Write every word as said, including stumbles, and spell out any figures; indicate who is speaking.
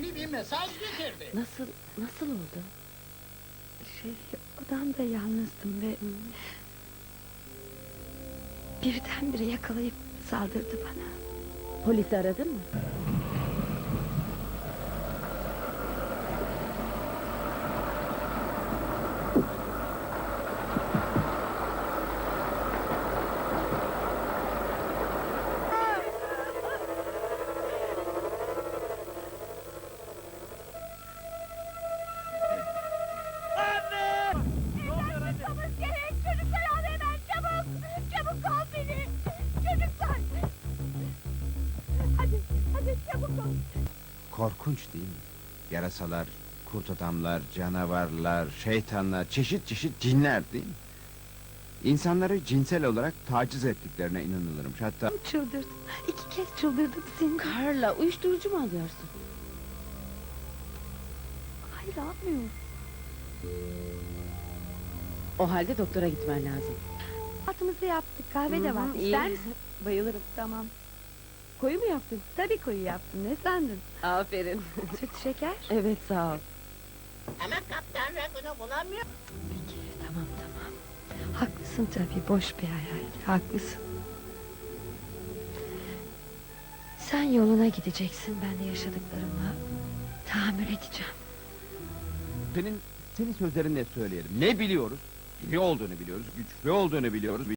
Speaker 1: önemli bir mesaj getirdi.
Speaker 2: Nasıl, nasıl oldu?
Speaker 3: Şey, odamda yalnızdım ve... Birdenbire yakalayıp saldırdı bana.
Speaker 2: Polisi aradın mı?
Speaker 4: Çıkmamız gerek! Çocuklar al hemen! Çabuk! Çabuk al beni! Çocuklar! Hadi, hadi çabuk ol!
Speaker 5: Korkunç değil mi? Yarasalar, kurt adamlar, canavarlar, şeytanlar, çeşit çeşit cinler değil mi? İnsanları cinsel olarak taciz ettiklerine inanılırmış. Hatta
Speaker 3: Çıldırdım. İki kez çıldırdım seni.
Speaker 2: Karla, uyuşturucu mu alıyorsun?
Speaker 3: Hayır, almıyorum.
Speaker 2: O halde doktora gitmen lazım.
Speaker 3: Altımızı yaptık. Kahve de var.
Speaker 2: Hı hı,
Speaker 3: İster
Speaker 2: iyi.
Speaker 3: misin?
Speaker 2: Bayılırım.
Speaker 3: Tamam.
Speaker 2: Koyu mu yaptın?
Speaker 3: Tabii koyu yaptım. Ne sandın?
Speaker 2: Aferin.
Speaker 3: Süt şeker?
Speaker 2: Evet, sağ ol.
Speaker 1: Ama Kaptan Ragun'u bulamıyor.
Speaker 3: Peki, tamam tamam. Haklısın tabii. Boş bir hayal. Haklısın. Sen yoluna gideceksin. Ben de yaşadıklarıma tahammül edeceğim.
Speaker 5: senin senin sözlerinle söyleyelim. Ne biliyoruz? İyi olduğunu biliyoruz, güçlü olduğunu biliyoruz.